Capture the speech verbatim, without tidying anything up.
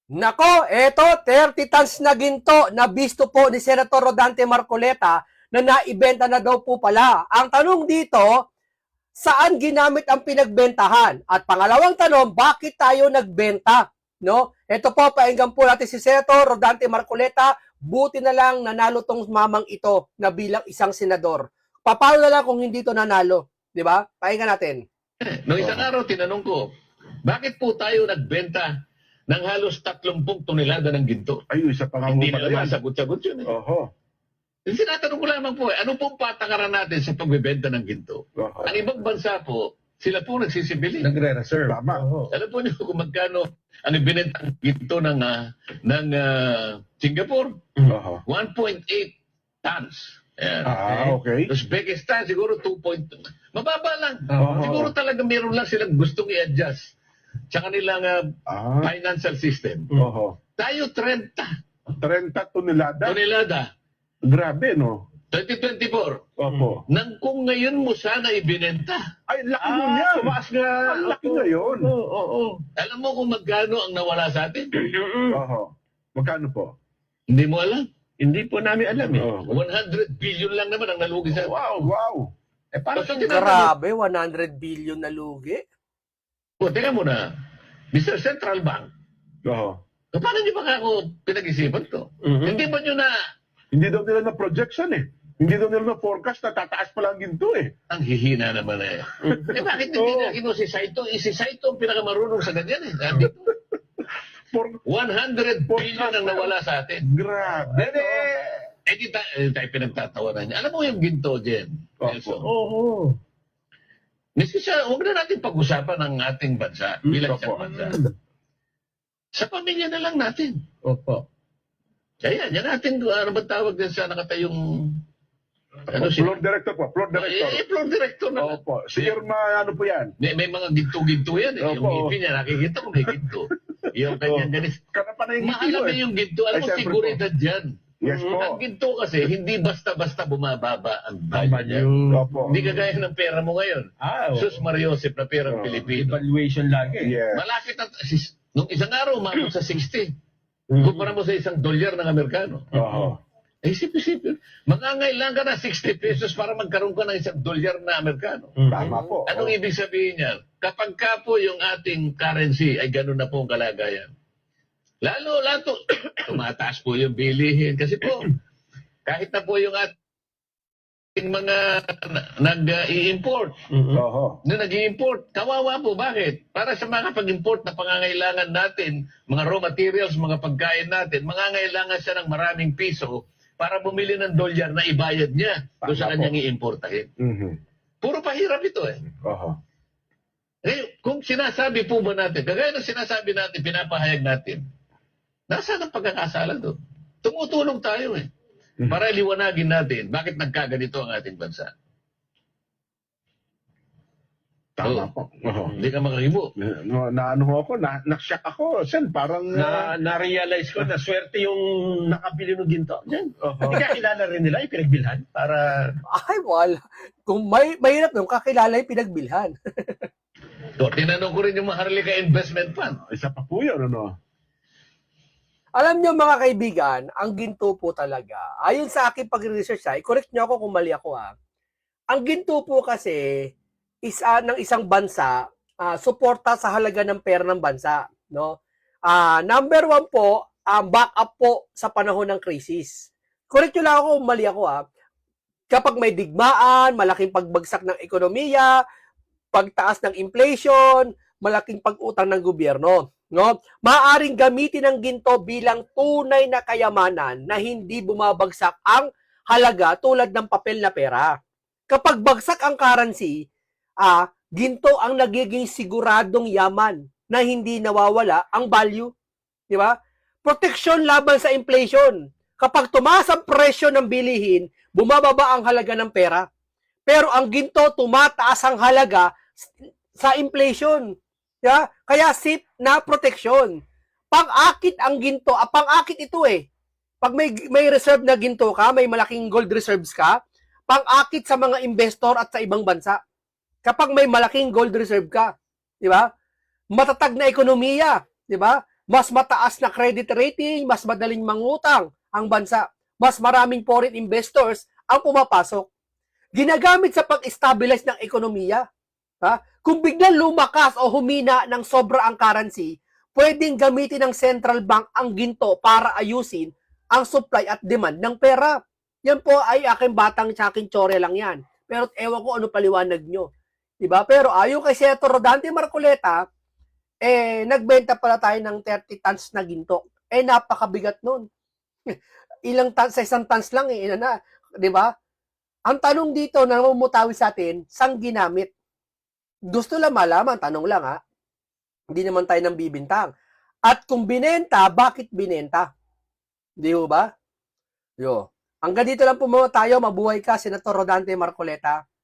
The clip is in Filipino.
Nako, eto, thirty tons na ginto na bisto po ni Senator Rodante Marcoleta na naibenta na daw po pala. Ang tanong dito, saan ginamit ang pinagbentahan? At pangalawang tanong, bakit tayo nagbenta? No? Ito po, painggan po natin si Senator Rodante Marcoleta. Buti na lang nanalo tong mamang ito na bilang isang senador. Paano na lang kung hindi to nanalo? Di ba? Painggan natin. Noong isang araw, tinanong ko, bakit po tayo nagbenta ng halos tatlumpung tonelada ng ginto? Ay, isa pa nga Hindi mo na pala naman yan. sagot-sagot yun. Eh. Oho. Sinatanong ko lamang po, eh, ano pong patakaran natin sa pagbebenta ng ginto? Oho. Ang ibang bansa po, sila po nagsisibili. Nagre-reserve. Tama. Oo. Alam po niyo kung magkano ang ibinenta ng ginto ng, ah, ng ah, Singapore? Oho. one point eight tons. Ayan. Ah, okay. Uzbekistan, siguro two point two. Mababa lang. Oo. Siguro talaga meron lang silang gustong i-adjust sa kanilang ah, Ah, financial system. oho. Tayo thirty thirty tonelada. tonelada, Grabe, no? twenty twenty-four. Opo. Nang kung ngayon mo sana ibinenta. Ay, laki nun yan. tumaas nga. Ang laki ngayon. Oo, oo, oo. Alam mo kung magkano ang nawala sa atin? Oho. Magkano po? Hindi mo alam. Hindi po namin alam eh. Oh. one hundred billion lang naman ang nalugi sa atin. Wow, wow. Eh, paano Basta siya Grabe, one hundred billion na lugi. O, tingnan mo na. mister Central Bank, Oho. paano niyo ba ako pinag-isipan to? Mhm. Hindi ba niyo na Hindi daw nila na projection eh. Hindi daw nila na forecast na tataas pala ang ginto eh. ang hihina naman eh. eh bakit hindi Oo. na kino si Saito? Eh, si Saito ang pinakamarunong sa ganyan eh. Nandito. For, one hundred billion ang nawala sa atin. grabe. Eh, eh, eh, di ta- eh, tayo pinagtatawanan niya. Alam mo yung ginto, Jen? Opo. Nelson? Oo. Miski siya, huwag na natin pag-usapan ng ating bansa bilang Opo. isang bansa. Sa pamilya na lang natin. Opo. Kaya, yan natin, ano ba tawag din sa nakatayong, ano si, Floor director po, floor eh, director. eh, floor director na. Opo. Si Irma, ano po yan? May, may mga ginto-ginto yan eh. Yung Opo. ngipin niya, nakikita ko may ginto. Yung kanyang ganis. Kana pa na yung ngiti Mahalaga mo eh. yung ginto. Alam Ay, mo, syempre seguridad yan. Yes po. Ang ginto kasi, hindi basta-basta bumababa ang Ang value niya. value. Opo. Hindi kagaya ng pera mo ngayon. Ah, oo. Sus Mariosep na perang Oo. Pilipino. Evaluation lagi. Yes. Malapit na, sis- nung isang araw, umabot sa sixty. Mhm. Kumpara mo sa isang dolyar ng Amerikano. Oho. Eh, isip-isip yun. Mangangailangan ka na sixty pesos para magkaroon ka ng isang dolyar na Amerikano. Mhm. Tama po. Anong ibig sabihin niyan? Kapag ka po yung ating currency ay ganun na po ang kalagayan. Lalo, lato, tumataas po yung bilihin. Kasi po, kahit na po yung ating mga nag-i-import, Mhm. Oho. na nag-i-import, kawawa po. Bakit? Para sa mga pag-import na pangangailangan natin, mga raw materials, mga pagkain natin, mangangailangan siya ng maraming piso para bumili ng dolyar na ibayad niya doon sa Tama kanyang po. i-importahin. Mhm. Puro pahirap ito eh. Oho. Eh, kung sinasabi po ba natin, kagaya ng sinasabi natin, pinapahayag natin, nasaan ang pagkakasala doon? Tumutulong tayo eh. Mhm. Para liwanagin natin bakit nagkaganito ang ating bansa. Tama Oo. po. Oho. Hindi ka makakibo. No, na ano ho ako, na, na-shock ako. Sen, parang... Na, na-realize ko na swerte yung nakabili ng ginto. Yan. Oho. Hindi ka kilala rin nila, yung pinagbilhan para... Ay, wala. Kung may, mahirap nung kakilala yung pinagbilhan. So, tinanong ko rin yung Maharlika Investment Fund. Isa pa po yun, ano? Alam nyo mga kaibigan, ang ginto po talaga, ayon sa aking pag-research, ha, i-correct nyo ako kung mali ako ha. Ang ginto po kasi, isa ng isang bansa, ah, suporta sa halaga ng pera ng bansa. No? Ah, number one po, ang backup po sa panahon ng krisis. Correct nyo lang ako kung mali ako ha. Kapag may digmaan, malaking pagbagsak ng ekonomiya, pagtaas ng inflation, malaking pag-utang ng gobyerno. No? Maaaring gamitin ang ginto bilang tunay na kayamanan na hindi bumabagsak ang halaga tulad ng papel na pera. Kapag bagsak ang currency, ah, ginto ang nagiging siguradong yaman na hindi nawawala ang value. Di ba? Proteksyon laban sa inflation. Kapag tumaas ang presyo ng bilihin, bumababa ang halaga ng pera. Pero ang ginto, tumataas ang halaga sa inflation. Yeah? Kaya safe na proteksyon. Pang-akit ang ginto, ah, pang-akit ito eh. Pag may, may reserve na ginto ka, may malaking gold reserves ka, pang-akit sa mga investor at sa ibang bansa. Kapag may malaking gold reserve ka, di ba? Matatag na ekonomiya, di ba? Mas mataas na credit rating, mas madaling mangutang ang bansa. Mas maraming foreign investors ang pumapasok. Ginagamit sa pag-stabilize ng ekonomiya. Ha? Kung biglang lumakas o humina ng sobra ang currency, pwedeng gamitin ng central bank ang ginto para ayusin ang supply at demand ng pera. Yan po ay aking batang tsaking tsore lang yan. Pero ewan ko ano paliwanag nyo. Diba? Pero ayon kay Senator Rodante Marcoleta, eh, nagbenta pala tayo ng thirty tons na ginto. Eh, napakabigat nun. Ilang tons, sa isang tons lang eh, ina na. Diba? Ang tanong dito na namumutawi sa atin, saan ginamit? Gusto lang malaman, tanong lang ha. Hindi naman tayo nang bibintang. At kung binenta, bakit binenta? Di ba? Yo. Hanggang dito lang po muna tayo. Mabuhay ka, Senator Rodante Marcoleta.